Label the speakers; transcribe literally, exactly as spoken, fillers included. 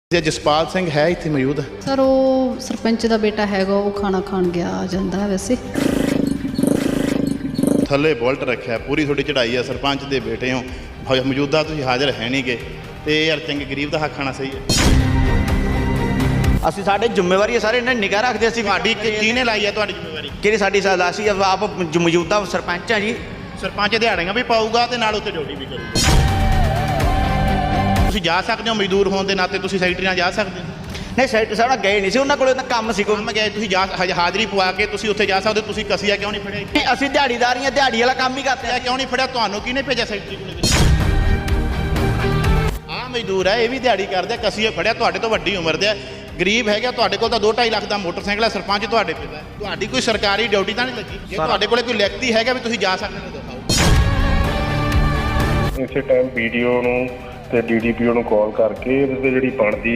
Speaker 1: ਜਸਪਾਲ ਸਿੰਘ ਹੈ ਇੱਥੇ ਮੌਜੂਦ?
Speaker 2: ਸਰ ਉਹ ਸਰਪੰਚ ਦਾ ਬੇਟਾ ਹੈਗਾ, ਉਹ ਖਾਣਾ ਖਾਣ ਗਿਆ ਜਾਂਦਾ ਹੈ ਵੈਸੇ।
Speaker 1: ਥੱਲੇ ਬੁਲਟ ਰੱਖਿਆ, ਪੂਰੀ ਤੁਹਾਡੀ ਚੜ੍ਹਾਈ ਆ, ਸਰਪੰਚ ਦੇ ਬੇਟੇ ਹੋ, ਮੌਜੂਦਾ ਤੁਸੀਂ ਹਾਜ਼ਰ ਹੈ ਨਹੀਂ ਗੇ, ਤੇ ਯਾਰ ਚੰਗੇ ਗਰੀਬ ਦਾ ਹੱਕ ਖਾਣਾ ਸਹੀ ਹੈ।
Speaker 3: ਅਸੀਂ ਸਾਡੇ ਜ਼ਿੰਮੇਵਾਰੀ ਹੈ ਸਾਰੇ, ਇਹਨਾਂ ਨੇ ਨਿਗਾਹ ਰੱਖਦੇ। ਅਸੀਂ
Speaker 1: ਤੁਹਾਡੀ ਕਿਹਨੇ ਲਾਈ ਹੈ ਤੁਹਾਡੀ ਜ਼ਿੰਮੇਵਾਰੀ?
Speaker 3: ਕਿਹੜੀ ਸਾਡੀ ਸਾਲ ਅਸੀਂ ਆਪ ਮੌਜੂਦਾ ਸਰਪੰਚ ਹਾਂ ਜੀ।
Speaker 1: ਸਰਪੰਚ ਦਿਹਾੜੀਆਂ ਵੀ ਪਾਊਗਾ ਤੇ ਨਾਲ ਉੱਤੇ ਡਿਊਟੀ ਵੀ ਕਰੂਗਾ। ਤੁਸੀਂ ਜਾ ਸਕਦੇ ਹੋ ਮਜ਼ਦੂਰ ਹੋਣ ਦੇ ਨਾਤੇ, ਤੁਸੀਂ ਸੈਕਟਰੀ ਨਾਲ ਜਾ ਸਕਦੇ ਹੋ?
Speaker 3: ਨਹੀਂ ਸੈਕਟਰੀ ਸਾਹਿਬ ਨਾਲ ਗਏ ਨਹੀਂ ਸੀ, ਉਹਨਾਂ ਕੋਲ ਤਾਂ ਕੰਮ ਸੀ ਕੋਈ।
Speaker 1: ਕੰਮ ਗਏ ਤੁਸੀਂ ਜਾ ਹਾਜ਼ਰੀ ਪਵਾ ਕੇ ਤੁਸੀਂ ਉੱਥੇ ਜਾ ਸਕਦੇ ਹੋ। ਤੁਸੀਂ ਕਸੀਆ ਕਿਉਂ ਨਹੀਂ ਫੜਿਆ?
Speaker 3: ਨਹੀਂ ਅਸੀਂ ਦਿਹਾੜੀਦਾਰ ਹਾਂ, ਦਿਹਾੜੀ ਵਾਲਾ ਕੰਮ ਹੀ ਕਰਦੇ ਆ।
Speaker 1: ਕਿਉਂ ਨਹੀਂ ਫੜਿਆ? ਤੁਹਾਨੂੰ ਕਿਹਨੇ ਭੇਜਿਆ ਸੈਕਟਰੀ ਕੋਲ? ਆਹ ਮਜ਼ਦੂਰ ਹੈ, ਇਹ ਵੀ ਦਿਹਾੜੀ ਕਰਦੇ, ਕਸੀਆ ਫੜਿਆ। ਤੁਹਾਡੇ ਤੋਂ ਵੱਡੀ ਉਮਰ ਦੇ, ਗਰੀਬ ਹੈਗਾ। ਤੁਹਾਡੇ ਕੋਲ ਤਾਂ ਦੋ ਢਾਈ ਲੱਖ ਦਾ ਮੋਟਰਸਾਈਕਲ ਹੈ, ਸਰਪੰਚ ਤੁਹਾਡੇ ਪਿਤਾ। ਤੁਹਾਡੀ ਕੋਈ ਸਰਕਾਰੀ ਡਿਊਟੀ ਤਾਂ ਨਹੀਂ ਲੱਗੀ? ਜੇ ਤੁਹਾਡੇ ਕੋਲ ਕੋਈ ਲਿਖਤੀ ਹੈਗਾ ਵੀ ਤੁਸੀਂ ਜਾ ਸਕਦੇ ਹੋ, ਦਿਖਾਓ।
Speaker 4: ਇਸੇ ਟਾਈਮ ਵੀਡੀਓ ਨੂੰ ਤੇ ਡੀ ਡੀ ਪੀ ਓ ਨੂੰ ਕਾਲ ਕਰਕੇ ਇਹਦੇ ਜਿਹੜੀ ਬਣਦੀ